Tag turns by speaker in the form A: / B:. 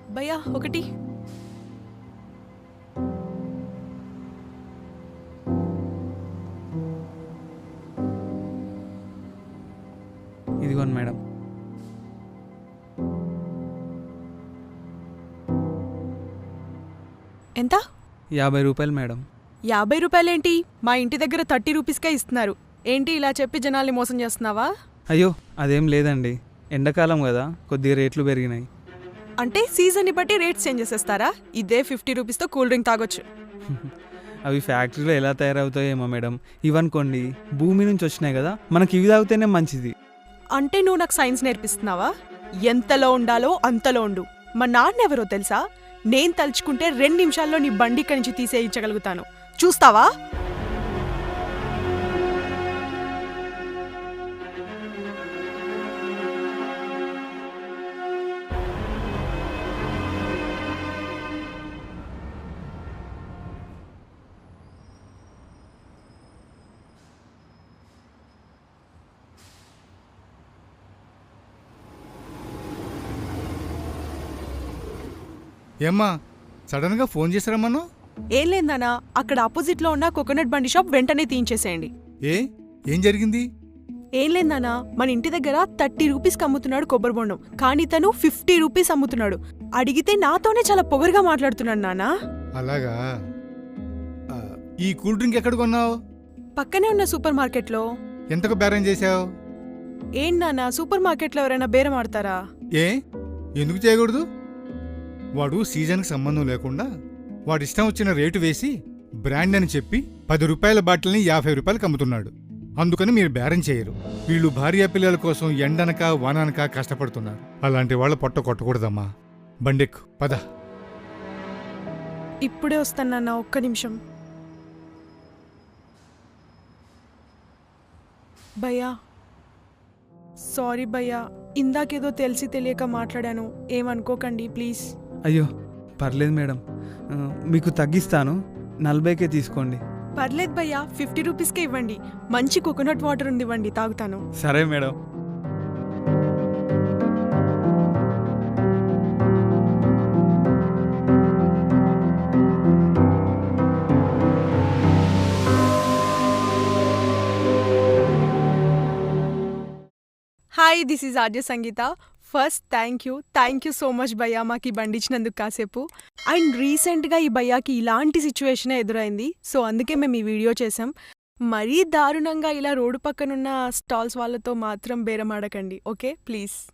A: భయ్యా ఒకటి.
B: ఇదిగోండి మేడం.
A: ఎంత?
B: 50 రూపాయలు మేడం.
A: 50 రూపాయలేంటి? మా ఇంటి దగ్గర 30 రూపీస్కే ఇస్తున్నారు. ఏంటి ఇలా చెప్పి జనాల్ని మోసం చేస్తున్నావా?
B: అయ్యో అదేం లేదండి, ఎండాకాలం కదా కొద్దిగా రేట్లు పెరిగినాయి.
A: అంటే సీజన్ని బట్టి రేట్స్ చేంజ్ చేసేస్తారా? ఇదే 50 రూపీస్తో కూల్ డ్రింక్ తాగొచ్చు.
B: అవి ఫ్యాక్టరీలో ఎలా తయారవుతాయేమో మేడం. ఇవనుకోండి భూమి నుంచి వచ్చినాయి కదా, మనకి ఇవి తాగితేనే మంచిది.
A: అంటే నువ్వు నాకు సైన్స్ నేర్పిస్తున్నావా? ఎంతలో ఉండాలో అంతలో ఉండు. మా నాన్న ఎవరో తెలుసా? నేను తలుచుకుంటే 2 నిమిషాల్లో నీ బండి ఇక్కడి నుంచి తీసేయించగలుగుతాను. చూస్తావా?
C: ఏమ్మా సడన్గా ఫోన్ చేశారమ్మను?
A: ఏం లేదన్నా, అక్కడ ఆపోజిట్లో ఉన్న కోకోనట్ బండి షాప్ వెంటనే తీయించేసేయండి.
C: ఏం జరిగింది?
A: ఏం లేదన్నా, మన ఇంటి దగ్గర 30 రూపీస్కి అమ్ముతున్నాడు కొబ్బరి బొండం, కానీ తను 50 రూపీస్ అమ్ముతున్నాడు. అడిగితే నాతోనే చాలా పొగరుగా మాట్లాడుతున్నాడు నాన్నా.
C: అలాగా? ఈ కూల్ డ్రింక్ ఎక్కడ కొన్నావు?
A: పక్కనే ఉన్న సూపర్ మార్కెట్లో.
C: ఎంతకు బేరం చేశావు?
A: ఏం నాన్నా, సూపర్ మార్కెట్లో ఎవరైనా బేరం ఆడతారా?
C: ఎందుకు చేయకూడదు? వాడు సీజన్కి సంబంధం లేకుండా వాడిష్టం వచ్చిన రేటు వేసి బ్రాండ్ అని చెప్పి 10 రూపాయల బాటిల్ని 50 రూపాయలకు అమ్ముతున్నాడు. అందుకని మీరు బేరం చేయరు. వీళ్ళు భార్యా పిల్లల కోసం ఎండనక వాననక కష్టపడుతున్నారు. అలాంటి వాళ్ళ పొట్ట కొట్టకూడదమ్మా. బండెక్కు పద.
A: ఇప్పుడే వస్తానన్నా, ఒక్క నిమిషం. భయ్యా సారీ భయ్యా, ఇందాకేదో తెలిసి తెలియక మాట్లాడాను, ఏమనుకోకండి ప్లీజ్.
B: అయ్యో పర్లేదు మేడం, మీకు తగ్గిస్తాను, 40కే తీసుకోండి.
A: పర్లేదు భయ్యా, 50 రూపీస్కే ఇవ్వండి. మంచి కోకోనట్ వాటర్ ఉంది, ఇవ్వండి, తాగుతాను.
B: సరే madam.
A: Hi, this is RJ Sangeetha. First thank you so much భయ్యా, మాకు ఈ బండి ఇచ్చినందుకు కాసేపు. అండ్ రీసెంట్గా ఈ భయ్యాకి ఇలాంటి సిచ్యువేషనే ఎదురైంది, సో అందుకే మేము ఈ వీడియో చేసాం. మరీ దారుణంగా ఇలా రోడ్డు పక్కనున్న స్టాల్స్ వాళ్ళతో మాత్రం బేరమాడకండి, ఓకే ప్లీజ్.